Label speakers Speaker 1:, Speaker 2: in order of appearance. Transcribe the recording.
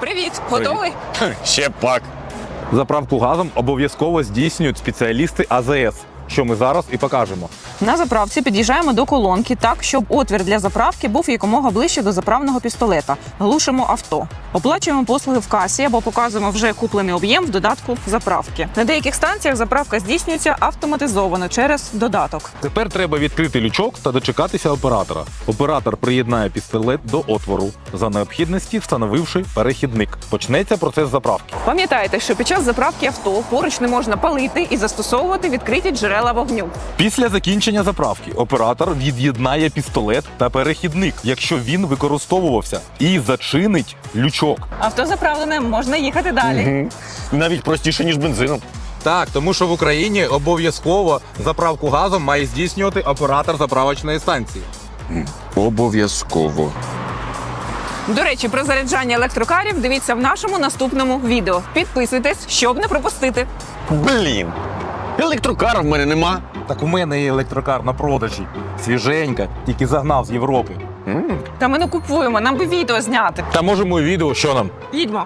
Speaker 1: Привіт, готовий?
Speaker 2: Ще пак.
Speaker 3: Заправку газом обов'язково здійснюють спеціалісти АЗС, що ми зараз і покажемо.
Speaker 1: На заправці під'їжджаємо до колонки так, щоб отвір для заправки був якомога ближче до заправного пістолета. Глушимо авто. Оплачуємо послуги в касі або показуємо вже куплений об'єм в додатку заправки. На деяких станціях заправка здійснюється автоматизовано через додаток.
Speaker 3: Тепер треба відкрити лючок та дочекатися оператора. Оператор приєднає пістолет до отвору, за необхідності встановивши перехідник. Почнеться процес заправки.
Speaker 1: Пам'ятайте, що під час заправки авто поруч не можна палити і застосовувати відкриті джерела вогню.
Speaker 3: Після закінчення заправки оператор від'єднає пістолет та перехідник, якщо він використовувався, і зачинить лючок.
Speaker 1: Авто заправлене, можна їхати далі.
Speaker 2: Навіть простіше, ніж бензином.
Speaker 3: Так, тому що в Україні обов'язково заправку газом має здійснювати оператор заправочної станції.
Speaker 2: Обов'язково.
Speaker 1: До речі, про заряджання електрокарів дивіться в нашому наступному відео. Підписуйтесь, щоб не пропустити.
Speaker 2: Блін. Електрокара в мене нема.
Speaker 3: Так у мене є електрокар на продажі. Свіженька, тільки загнав з Європи.
Speaker 1: Та ми не купуємо, нам би відео зняти.
Speaker 3: Та можемо і відео, що нам?
Speaker 1: Їдьмо.